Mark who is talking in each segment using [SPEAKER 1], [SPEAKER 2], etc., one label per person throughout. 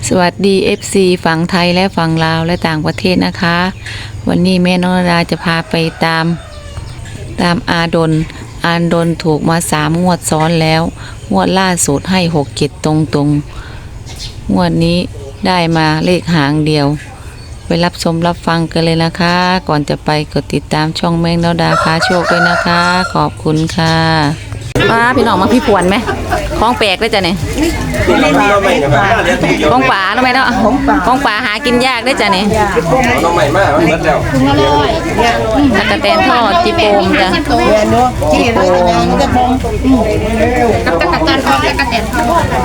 [SPEAKER 1] สวัสดี FC ฝั่งไทยและฝั่งลาวและต่างประเทศนะคะ วันนี้แม่น้องดาจะพาไปตามอาดนถูกมา3 งวดซ้อนแล้วงวดล่าสุดให้6-7ตรงงวดนี้ได้มาเลขหางเดียวไปรับชมรับฟังกันเลยนะคะ ก่อนจะไปกดติดตามช่องแม่น้องดาพาโชคด้วยนะคะ ขอบคุณค่ะป้าพี่น้องมาพี่ผวนไหมของแปลกด้วยจ้ะเนี่ยของป่าทำไมเนาะของป่าหากินยากด้วยจ้ะเนี่ย
[SPEAKER 2] น้องใหม่มากมันเบิดแล้ว
[SPEAKER 1] ตะกะแตนทอดจีโปมจ้ะจีโปมกับตะกะแตนทอดตะกะแตนทอด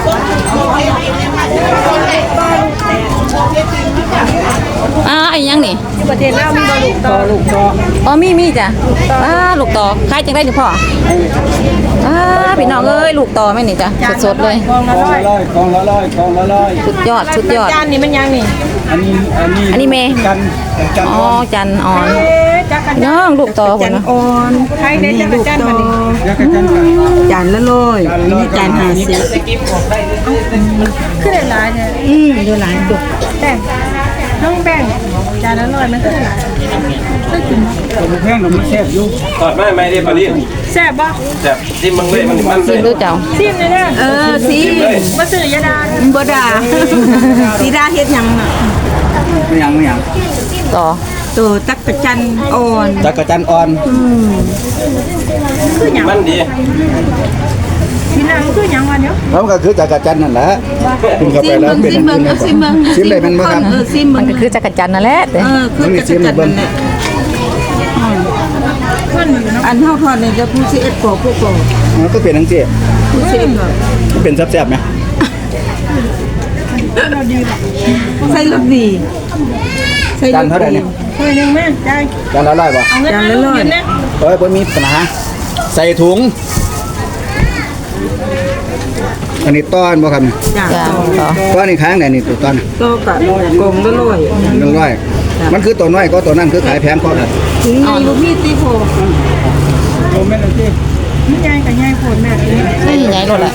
[SPEAKER 1] ไอ้ยังนี่
[SPEAKER 3] ประเทศลาวมีลูกต่อ
[SPEAKER 1] อ๋อมีจ้ะลูกต่อขายจังได้ดิพ่อพี่น้องเอ้ยลูกต่อไหมนี่จ้ะสดๆเลย
[SPEAKER 3] กองละร้อย
[SPEAKER 1] สุดยอด
[SPEAKER 3] จานนี้มันยังนี่
[SPEAKER 1] อันนี้เมย์อ๋อจันอ่อนน้องลูกต่อคนนะ
[SPEAKER 3] อ่อนใครได้จักรจันมานี่จานละร้อยนี่จาน50ขึ้นหลายเนี่ยดูหลายดุแต่น้องแบ่งจานละร้อยมันขึ้นหลายได้กิน
[SPEAKER 2] ผมแพงหนุ่มแซ่บอยู่ตอดไม่ได้ปลาลิ้น
[SPEAKER 3] แซ่บบ่
[SPEAKER 2] แซ่บที่มึงเลยมัน
[SPEAKER 1] ซิมดูเจ้า
[SPEAKER 3] ซิมเลยเนี่ยซิมบ่ซื้อยาดาบ่ดาสีดาเฮ็ดหยังน่ะ
[SPEAKER 2] ไม่ยัง
[SPEAKER 1] ต่อ
[SPEAKER 3] ตัวจักรจันอ่อนคือหยัง
[SPEAKER 2] มันดี
[SPEAKER 3] พี่นางคือหยังวะเนี่ย
[SPEAKER 4] แล้วก็คือจักรจันนั่นแหละกินเข้าไปแล้วเป็นซิมเลยมันบ่ครับ
[SPEAKER 1] มันก็คือจักรจันนั่นแหละ
[SPEAKER 3] คือจักรจันนั่นแหละอันเท่าทอดเนี่ยจะพูด11กว่าพวกเรา
[SPEAKER 4] มันก็เป็นทั้งสี่
[SPEAKER 3] พูด11แบบ
[SPEAKER 4] มันเป็นแซ่บๆไหม
[SPEAKER 3] ใส่รสดี
[SPEAKER 4] จานเท่าไหร่เนี่ย
[SPEAKER 3] ถ้วยนึงแม่ได้
[SPEAKER 4] จานละ100บ่
[SPEAKER 3] จานละ100นะ
[SPEAKER 4] บ่มีปัญหาใส่ถุงอันนี้ต้อนบ่ครับ
[SPEAKER 3] จ้า
[SPEAKER 4] ต้อนนี่ค้างไหนนี่ตัวต้อน
[SPEAKER 3] ก็กะกงละ
[SPEAKER 4] 100มันคือตัวน้อยก็ตัวนั้นคือขายแพงกว่ากัน
[SPEAKER 3] ถึงไงบ่มีติโพโอ้แม่นติมีใหญ่กับใหญ่โพดแม่
[SPEAKER 1] ใหญ่โลดแหละ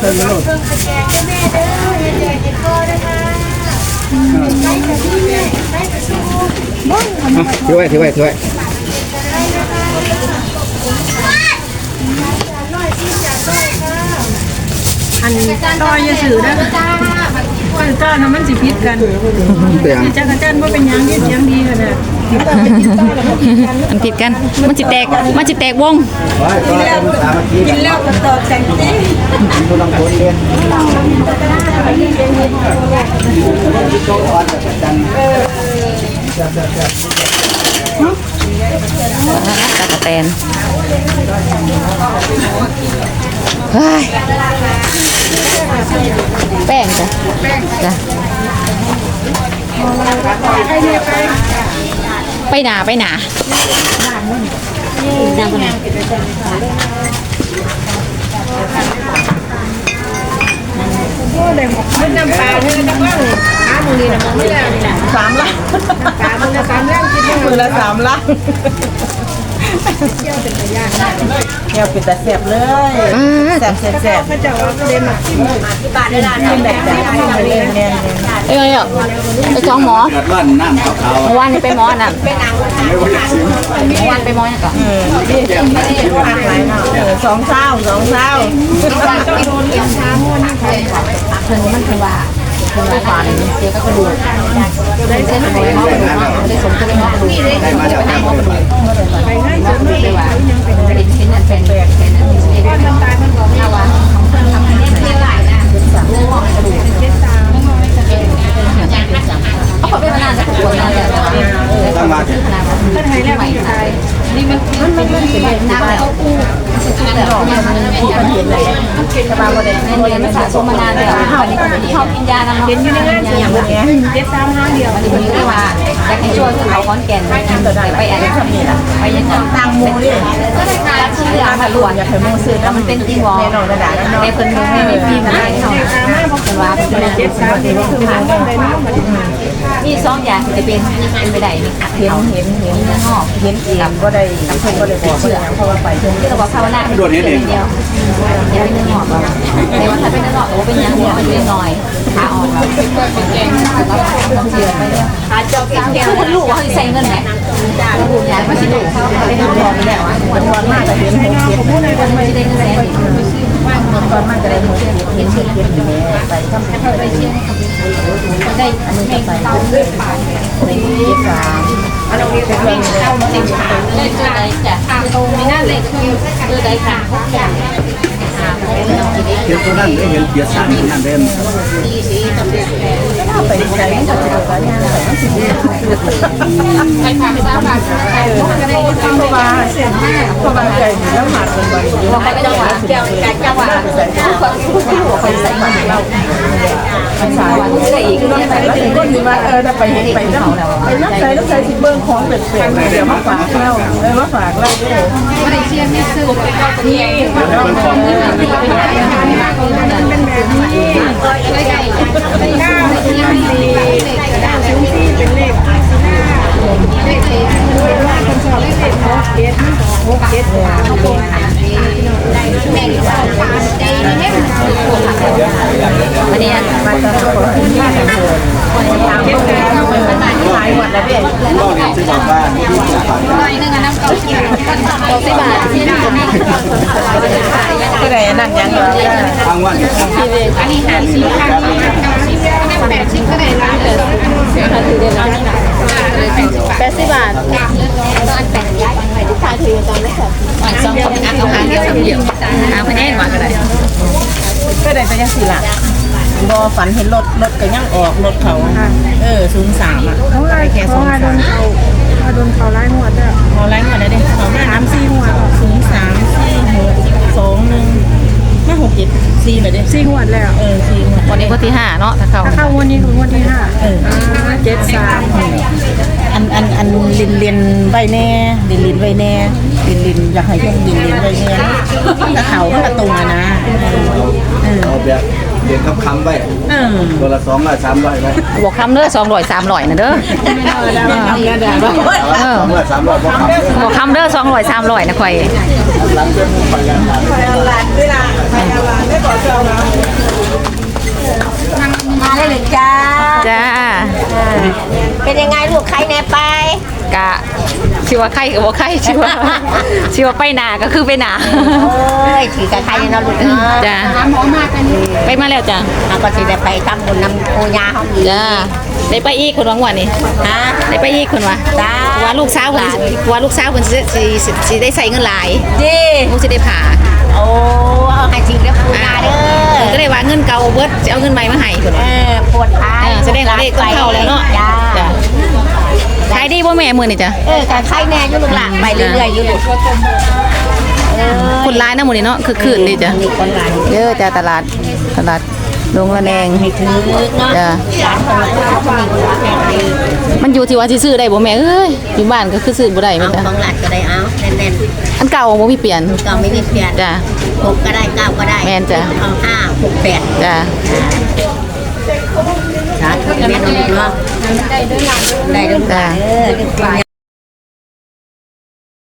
[SPEAKER 4] ถือไว้
[SPEAKER 3] อันต่อยาสื่อนะจ้าทำมันสิพิษกันจักรจันว่าเป็นยังดีกันนะ
[SPEAKER 1] มันผิดกันมันจิแตกวง
[SPEAKER 3] กินแล้วก็ตอดแต่งตี
[SPEAKER 4] ตัวลังคนเรียน
[SPEAKER 1] ตะกะแตนแป้งจ้ะไปหนา
[SPEAKER 3] น้ำปลาเนี่ยน้ำปลามือนี่นะมือแล้วนี่นะ3 ล้านมือละ3 ล้านกินมือละ3 ล้านเที่ยวเป็นตะย่างเที่ยวเป็นตะแซ่บเลยแซ่บเขาจะว่าเดนมาที่บ้านได้ร้านที่แบบเนี่ย
[SPEAKER 1] ไอ้จ้องหมอ
[SPEAKER 4] น้ำขาว
[SPEAKER 1] วันนี้ไปหมอน่ะวันไปหมอเนี่ยก่อน
[SPEAKER 3] 2 เช้าเพิ่นมันคือว่า
[SPEAKER 1] ผ่านเสียก็กระดูกได้เส้นหอยหม้อกระดูกได้สมก็ได้หม้อกระดูกได้มาจากหม้อกระดูกไปง่ายสุดเลยว่าเป็นตายมันบอกไม่ว่าทำให้เรียกหลายนะเป็นหม้อกระดูกเขาขอเป็นนานจะปวดนานเลย
[SPEAKER 4] ตั้งมา
[SPEAKER 3] ท่านไทยแล้วไม่ตายนี่มันเป็นน้ำแล้ว
[SPEAKER 1] สบายหมดเลยในมันสะสมมานานเลยเขากินยานำ
[SPEAKER 3] เห็นอยู่ในงานเสียงอย่างเงี้ย735เดียว
[SPEAKER 1] วันนี้เรียกว่าอยากให้ช่วยเขาค้อนแก่นไปอันนี้ไปยัง
[SPEAKER 3] ต่างโมดิ
[SPEAKER 1] ก็ได้การชื่อเรื่องมาล้วนอยากให้โมซื้อแล้วมันเป็นจริงวอในเพิ่นไม่มีมาให้เขาเป็นว่าเป็น735เดียวคือผ่านมีสองอย่างจะเป็นไปได้นี่ค่ะ
[SPEAKER 3] เห็นเนื้องอกเห็นเองก็ได้เพิ่นก็ได้บอกว่าอย่างเพราะว่าไปเพิ่น
[SPEAKER 1] ที่เราบอกภาวนาเดียวอย่าเป็นเนื้องอกแต่ว่าถ้าเป็นเนื้องอกก็เป็นยังหัวมันเป็นหน่อยขาอ่อนเราเสียไปแล้วขาจอกเดียวคนรู้ว่าเขาใส่เงินไหนรู้อย่างไม่ใช่รู้เป็นน้องบอกแล้วอ่ะ
[SPEAKER 3] มันวันมากแต่เห็นหกเจ็ด
[SPEAKER 1] คนไม่ได้เงินแสน
[SPEAKER 3] มันวันมากแต่ได้หกเจ็ดเห็นเจ็ดเจ็ดอยู่ไปทำไปเชียงได้อันนี้ก็ไปในที่สามอันนี้เป็นเรื่องเอามาติดฉากเลยตัวใดจ้ะตรงไม่น่าเลยคือตัวใดค่ะ
[SPEAKER 4] เห็นตัวนั้นได้เห็นเกียรติสารตัวนั้นเด่น
[SPEAKER 3] ไปใจมันจะเป็นอะไรอย่างไรมันสิไปทำ3 บาทก็ได้เพราะว่าเพราะว่าใจแล้วหมัดเป็นวันอยู่ว่าจังหวะแก้วจังหวะไปใส่มันเราไปสายได้อีกต้องใส่แล้วก็ดีว่าถ้าไปเห็นไปนั่งไปนั่งใส่ต้องใส่สิเบิ้งของเป็ดๆเดี๋ยวมาฝากเรามาฝากเราด้วยไม่ได้เชียร์ไม่ซื้อนี่เป็นของเป็นแบบนี้เป็นเลข
[SPEAKER 1] วันนี้
[SPEAKER 3] มาตลอดหลายวันแล้วเด็ก
[SPEAKER 4] ก็เรียนซื้อจากบ้านที่ฝาก
[SPEAKER 1] 60 บาท
[SPEAKER 3] ก็ได้นั่งยังอยู่
[SPEAKER 4] ทางวัน
[SPEAKER 1] อันนี้50 ค่ะ80ก็ได้ร้าน80 บาทสองคนเอาหางเดียวเดียวหาพะแนนมาก็ได้
[SPEAKER 3] ก็ได้แต่ยังสี่ละบอฝันเห็นรถก็ยังออกรถเขา03อ่ะเขาได้แค่03โดนเขาไล่หมดอ่ะเขาไล่หมดเลยเด้เขามา3-4หัว03-4-6-2-1มา6-7-4เลยเด้4หัวแล้ว4หัว
[SPEAKER 1] วันนี้วันที่5เนาะถ้าเข้า
[SPEAKER 3] วันนี้คือวันที่5 73อันลินใบแน่ลินใบแน่ลินอยากให้เพิ่นลินใบแน่ถ้าเขาก็ตรงอ่ะนะ
[SPEAKER 4] เอาแบบเรียนคำไว้ตัวละ200 300ไว้
[SPEAKER 1] บอกคำเด้อ200 300นะเด้อ
[SPEAKER 4] 200 300บ่คำ
[SPEAKER 1] บอกคำเด้อ200 300นะข่อย
[SPEAKER 4] หลังเป็นไปกัน
[SPEAKER 5] มาได้เลยจ้า
[SPEAKER 1] จ้า
[SPEAKER 5] เป็นยังไงลูกใครแน่ไป
[SPEAKER 1] กะชิว่าไข่กับว่าไข่ชิว่าไปหนาก็คือไปหนา
[SPEAKER 5] เอ้ยถือกับใครเนาะลูกเนาะ
[SPEAKER 1] จ้าไปมาแล้วจ้า
[SPEAKER 5] เราก็สิได้ไปทำบุญนำโอยาเขาอีก
[SPEAKER 1] จ้าได้ไปอีกคนวังวันนี่
[SPEAKER 5] ฮะ
[SPEAKER 1] ได้ไปอีกคนวะ
[SPEAKER 5] จ้า
[SPEAKER 1] ว่าลูกสาวคนว่าลูกสาวคนสิได้ใส่เงินหลาย
[SPEAKER 5] จี
[SPEAKER 1] ลูกสิได้ผ่า
[SPEAKER 5] โอ้เอาให้จริงแล้วปูนาเด้อ
[SPEAKER 1] ก็เลยว่าเงินเก่าเบิดจะเอาเงินใหม่มาให้คน
[SPEAKER 5] ปวดท้าย
[SPEAKER 1] แสดงว่าเลขต้องเข้าแล้วเนาะ
[SPEAKER 5] จ้า
[SPEAKER 1] จ้าขายดีบ่แม่มื้อนี่จ้ะ
[SPEAKER 5] การใครแน่อยู่ลูกหล่ะไปเรื่อยๆอยู่ลูก
[SPEAKER 1] คนร้ายนะมื้อนี้เนาะคือคืนดีจ้ะ
[SPEAKER 5] มีคนหลาย
[SPEAKER 1] เด้อจ้าตลาดลงระแนง
[SPEAKER 5] ให้ถือเนาะ
[SPEAKER 1] จ้า
[SPEAKER 5] ร้านของเรามีคนรักแห่งดี
[SPEAKER 1] มันอยู่ที่ว่าสิซื้อได้บ่แม่เอ้ยอยู่บ้านก็คือซื้อบ่ได้แม่
[SPEAKER 5] เอา
[SPEAKER 1] จ้ะ
[SPEAKER 5] ของหลัดก็ได้เอาแน่น
[SPEAKER 1] อันเก่าบ่มีเปลี่ยน
[SPEAKER 5] ๆก็ไม่มีเปลี่ยน
[SPEAKER 1] จ้ะ
[SPEAKER 5] 6ก็ได้9ก็ได้
[SPEAKER 1] แม่นจ้ะ
[SPEAKER 5] เอา5 6 8
[SPEAKER 1] จ้า
[SPEAKER 5] สาธุแม่นลูกเนาะได้ด้วยหลังได้ด้วยหลังเด้อ